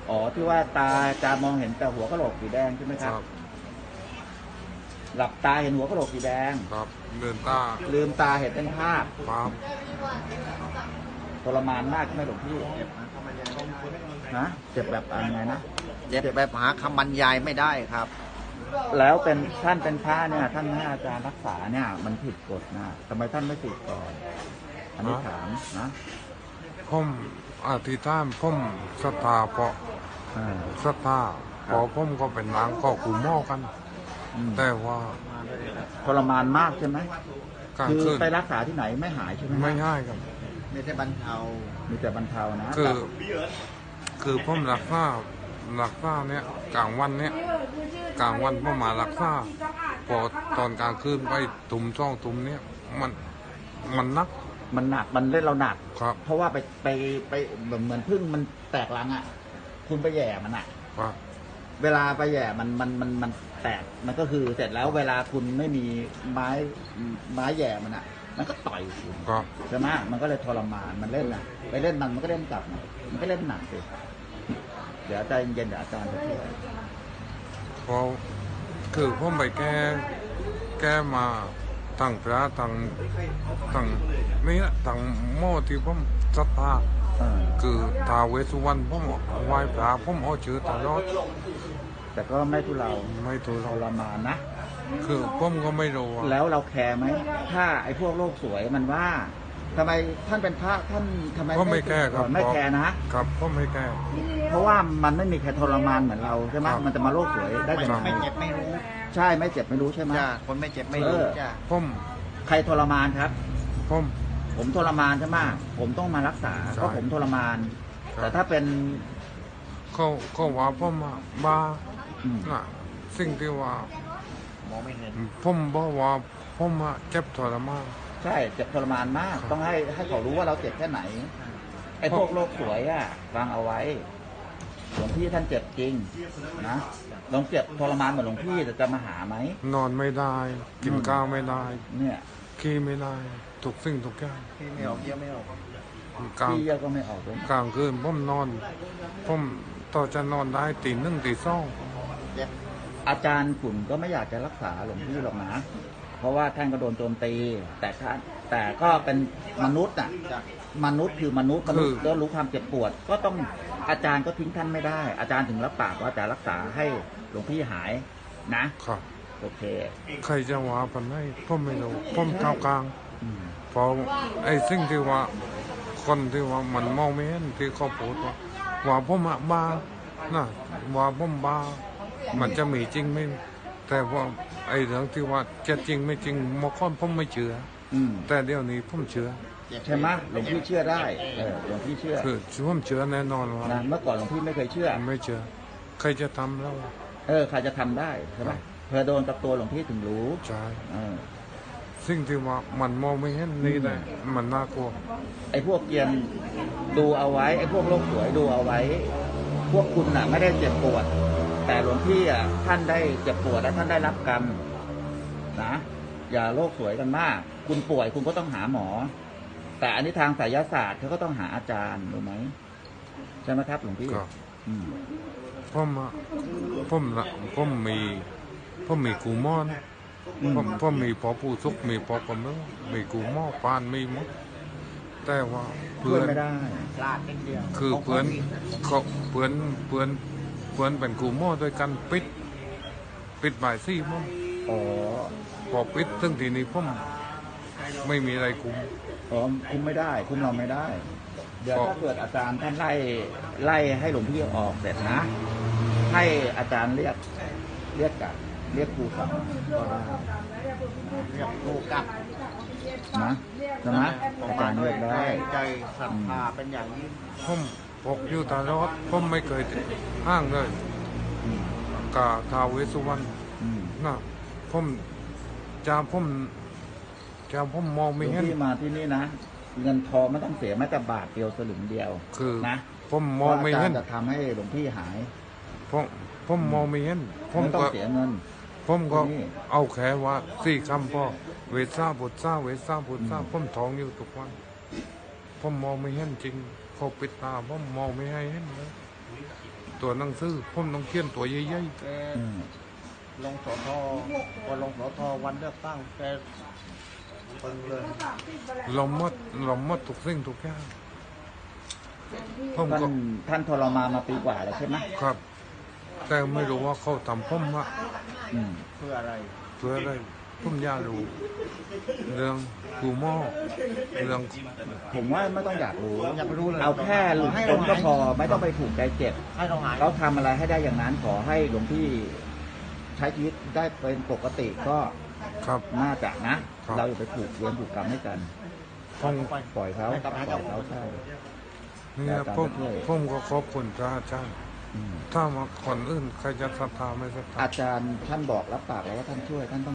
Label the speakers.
Speaker 1: อ๋อที่ว่าตาจะมองเห็นแต่หัวกะโหลกสีแดงใช่ไหมค
Speaker 2: ครับ รับ
Speaker 1: หลับตาเห็นหัวกะโหลกสีแดง
Speaker 2: ครับเดินตา
Speaker 1: ลืมตาเห็นเป็นภาพ
Speaker 2: ครับ
Speaker 1: ทรมานมากใช่ไหมหลวงพี่ฮะเจ็บแบบอะไรนะ
Speaker 3: เจ็บแบบหาคำบรรยายไม่ได้ครับ
Speaker 1: แล้วเป็นท่านเป็นพระเนี่ยท่านให้อาจารย์รักษาเนี่ยมันผิดกฎนะทำไมท่านไม่ติดก่อนอันนี้ถามนะ
Speaker 2: ผมอธิษฐานผมศรัทธาเพราะ
Speaker 1: อ่า
Speaker 2: ศรัทธาเพอผมก็เป็นนางก็กูหม้อกัน
Speaker 1: อืม
Speaker 2: แต่ว่า
Speaker 1: ทรมานมากใช่ไหม
Speaker 2: กลาง
Speaker 1: คือ
Speaker 2: คืน
Speaker 1: ไปรักษาที่ไหนไม่หายใช่ไหม
Speaker 2: ไม่ง่ายครับ
Speaker 3: ไม่ใช่บรรเทา
Speaker 1: มีแต่บรรเทานะ
Speaker 2: คือผมรักษาเนี่ยกลางวันเนี่ยกลางวันผมมารักษาพอตอนกลางคืนไปตุ่มช่องตุ่มเนี่ยมันนัก
Speaker 1: มันหนักมันเล่นเราหนัก
Speaker 2: ครับ
Speaker 1: เพราะว่าไปเหมือนพึ่งมันแตกรังอ่ะ คุณไปแย่มันอ่ะ
Speaker 2: ครับ
Speaker 1: เวลาไปแย่มันแตกมันก็คือเสร็จแล้วเวลาคุณไม่มีไม้แย่มันอ่ะ มันก็ต่อยคุณ
Speaker 2: ครับ
Speaker 1: ใช่ไหมมันก็เลยทรมานมันเล่นนะไปเล่นมันก็เล่นกลับนะมันก็เล่นหนักสิเดี๋ยวใจเย็นๆเดี๋ยวอาจารย์จะช่วย
Speaker 2: พอคือผมไปแก้มาตั้งพระตั้งนี่นะตั้งหม้อที่ผมศรัทธา
Speaker 1: เออ
Speaker 2: คือท้าวเวสสุวรรณผมไหว้พระผมเอาชื่อตลอด
Speaker 1: แต่ก็ไม่ทุเรา
Speaker 2: ไม่ถูก
Speaker 1: ทรมานนะ
Speaker 2: คือผมก็ไม่รู้ว่า
Speaker 1: แล้วเราแคร์ไหมถ้าไอ้พวกโลกสวยมันว่าทำไมท่านเป็นพระท่านทำไม
Speaker 2: ผมไม่แก้ครับ
Speaker 1: ไม่แคร์นะ
Speaker 2: ครับผมไม่แก้
Speaker 1: เพราะว่ามันไม่มีใครทรมานเหมือนเราใช่ไหม
Speaker 2: ครับ
Speaker 1: มันจะมาโลกสวยได้ยังไง
Speaker 3: ไม่เจ็บไม่รู้
Speaker 1: ใช่ไม่เจ็บไม่รู้ใช่ไหม
Speaker 3: จ้าคนไม่เจ็บไม่รู้
Speaker 1: เออ
Speaker 3: จ้า
Speaker 2: ผม
Speaker 1: ใครทรมานครับ
Speaker 2: ผม
Speaker 1: ผมทรมานใช่ไหมผมต้องมารักษา
Speaker 2: ใช่
Speaker 1: เพราะผมทรมาน
Speaker 2: ครับ
Speaker 1: แต่ถ้าเป็น
Speaker 2: เขาว่าผมอะบ้า
Speaker 1: อืม
Speaker 2: น่ะสิ่งที่ว่าม
Speaker 3: องไม่เห็น
Speaker 2: ผมบอกว่าผมอะเจ็บทรมาน
Speaker 1: ใช่เจ็บทรมานมาก
Speaker 2: ครับ
Speaker 1: ต้องให้เขารู้ว่าเราเจ็บแค่ไหน ไอ้พวกโลกสวยอ่ะฟังเอาไว้หลวงพี่ท่านเจ็บจริงนะลองเจ็บทรมานเหมือนหลวงพี่แต่จะมาหาไหม
Speaker 2: นอนไม่ได้ กินข้าวไม่ได้
Speaker 1: เนี่ย
Speaker 2: ขี้ไม่ได้ทุกสิ่งทุกอย่าง
Speaker 3: พี่ไม่ออกเยี่ยมไม่ออก
Speaker 2: กลาง
Speaker 1: พี่เยอะก็ไม่ออกเลย
Speaker 2: กลางคืนผมนอนผมต่อจะนอนได้ตีหนึ่งตีสอง
Speaker 3: เจ็บ
Speaker 1: อาจารย์ขุนก็ไม่อยากจะรักษาหลวงพี่หรอกนะ เพราะว่าท่านก็โดนโจมตี แต่ก็เป็นมนุษย์อ่ะ
Speaker 3: จ้ะ
Speaker 1: มนุษย์คือมนุษย์ก็รู้ความเจ็บปวด ก็ต้องอาจารย์ก็ทิ้งท่านไม่ได้ อาจารย์ถึงรับปากว่าจะรักษาให้หลวงพี่หายนะ
Speaker 2: ครับ
Speaker 1: โอเค
Speaker 2: ใครจะว่าปันให้ผมไม่รู้ผมเท่ากลาง
Speaker 1: อืม
Speaker 2: เพราะไอ้สิ่งที่ว่าคนที่ว่ามันมองไม่เห็นที่เขาพูดว่าผมอะบ้านะว่าผมบ้ามันจะมีจริงไหมแต่ว่าไอ้เรื่องที่ว่าจะจริงไม่จริงเมื่อก่อนผมไม่เชื่อ
Speaker 1: อืม
Speaker 2: แต่เดี๋ยวนี้ผมเชื่อ
Speaker 3: เจ็บ
Speaker 1: ใช่ไหมหลวงพี่เชื่อได้หลวงพี่เชื่อ
Speaker 2: คือผมเชื่อแน่นอนว่า
Speaker 1: นะเมื่อก่อนหลวงพี่ไม่เคยเชื่อ
Speaker 2: ไม่เชื่อใครจะทำแล้ว
Speaker 1: ใครจะทำได้ใช่ไหมเธอโดนกับตัวหลวงพี่ถึงรู้
Speaker 2: ใช่
Speaker 1: เออ
Speaker 2: สิ่งที่ว่ามันมองไม่เห็นนี่แหละมันน่ากลัว
Speaker 1: ไอ้พวกเกรียนดูเอาไว้ไอ้พวกโลกสวยดูเอาไว้ พวกคุณน่ะไม่ได้เจ็บปวด แต่หลวงพี่อ่ะท่านได้เจ็บปวดและท่านได้รับกรรมนะอย่าโลกสวยกันมาก คุณป่วยคุณก็ต้องหาหมอ แต่อันนี้ทางไสยศาสตร์เขาก็ต้องหาอาจารย์รู้ไหมใช่ไหมครับหลวงพี่
Speaker 2: ครับ
Speaker 1: อืม
Speaker 2: ผมอะผมมีกูมอน ผมมีพอผู้สุกมีพอกำลังมีกูหม้อปานมีหมดแต่ว่า
Speaker 1: เพื่
Speaker 2: เพื่
Speaker 1: อ
Speaker 2: อน น
Speaker 1: ไม่ได้
Speaker 3: พลาดนิดเดียว
Speaker 2: คือเพื่อนเขาเพื่อนเป็นกูหม้อด้วยกันปิดบ่ายซี่ผม
Speaker 1: อ๋อ
Speaker 2: พอปิดซึ่งทีนี้ผมไม่มีอะไรคุม
Speaker 1: อ๋อคุมไม่ได้ คุมเราไม่ได้ เดี๋ยว
Speaker 2: ก็
Speaker 1: ถ้าเกิดอาจารย์ท่านไล่ให้หลวงพี่ออกเสร็จนะ ให้อาจารย์เรียกกลับเรียกครูกลับก็ได้
Speaker 3: เรียกลูกกลับ
Speaker 1: นะใช่ไหมอาจารย์เรียกได้
Speaker 3: ใจศรัทธาเป็นอย่างยิ่ง
Speaker 2: ผมพกอยู่ตลอดผมไม่เคยห้างเลย
Speaker 1: อืม
Speaker 2: กาท้าวเวสสุวรรณ
Speaker 1: อืม
Speaker 2: นะผมผมมอง
Speaker 1: หล
Speaker 2: ไม่
Speaker 1: วง
Speaker 2: เห็น
Speaker 1: พี่มาที่นี่นะ เงินทองไม่ต้องเสียแม้แต่บาทเดียวสลึงเดียว
Speaker 2: คือ
Speaker 1: นะ
Speaker 2: ผมมองไม่
Speaker 1: พราะอา
Speaker 2: เห็
Speaker 1: จาน รย์จะทำให้หลวงพี่หาย
Speaker 2: ผมมองไม่เห็นผม
Speaker 1: ไม่ต้อง
Speaker 2: ก็
Speaker 1: เสียเงิน
Speaker 2: ผมก็
Speaker 1: นี่
Speaker 2: เอาแค่ว่าสี่คำพ่อเวซ่าบุตรซ่าเวซ่าบุตรซ่า
Speaker 1: อืม
Speaker 2: ผมท้องอยู่ทุกวันผมมองไม่เห็นจริงเขาปิดตาผมมองไม่ให้เห็นเลยตัวหนังสือผมต้องเขียนตัวใหญ่
Speaker 3: แก
Speaker 1: อืม
Speaker 3: ลงสอทอพอลงสอทอวันเลือกตั้งแกปึงเลย
Speaker 2: ๆเราหมดทุกสิ่งทุกอย่างผม
Speaker 1: ท่า
Speaker 2: ก็
Speaker 1: นท่านทรมานมาปีกว่าแล้วใช่ไหม
Speaker 2: ครับ แต่ไม่รู้ว่าเขาทำผมว่า
Speaker 1: อืม
Speaker 3: เพื่ออะไร
Speaker 2: เพื่ออะไรผมอยากรู้เรื่องกูหม้อเรื่อง
Speaker 1: ผมว่าไม่ต้องอยากรู้
Speaker 3: อยากรู้เลย
Speaker 1: เอาแค่หลุดพ้นก็พอไม่ต้องไปผูกใจเจ็บ
Speaker 3: ให้เราหาย
Speaker 1: เขาทำอะไรให้ได้อย่างนั้นขอให้หลวงพี่ใช้ชีวิตได้เป็นปกติก็
Speaker 2: ครับ
Speaker 1: น่าจะนะ
Speaker 2: ครับ
Speaker 1: เราอย่าไปผูกเวรผูกกรรมให้กัน
Speaker 2: ผม
Speaker 1: ปล่อยเขาปล่อยเขาใช่
Speaker 2: เนี่ยผมก็ขอบคุณพระอาจารย์
Speaker 1: อืม
Speaker 2: ถ้ามาคนอื่นใครจะศรัทธาไม่ศรัทธา
Speaker 1: อาจารย์ท่านบอกรับปากแล้วว่าท่านช่วยท่านต้อง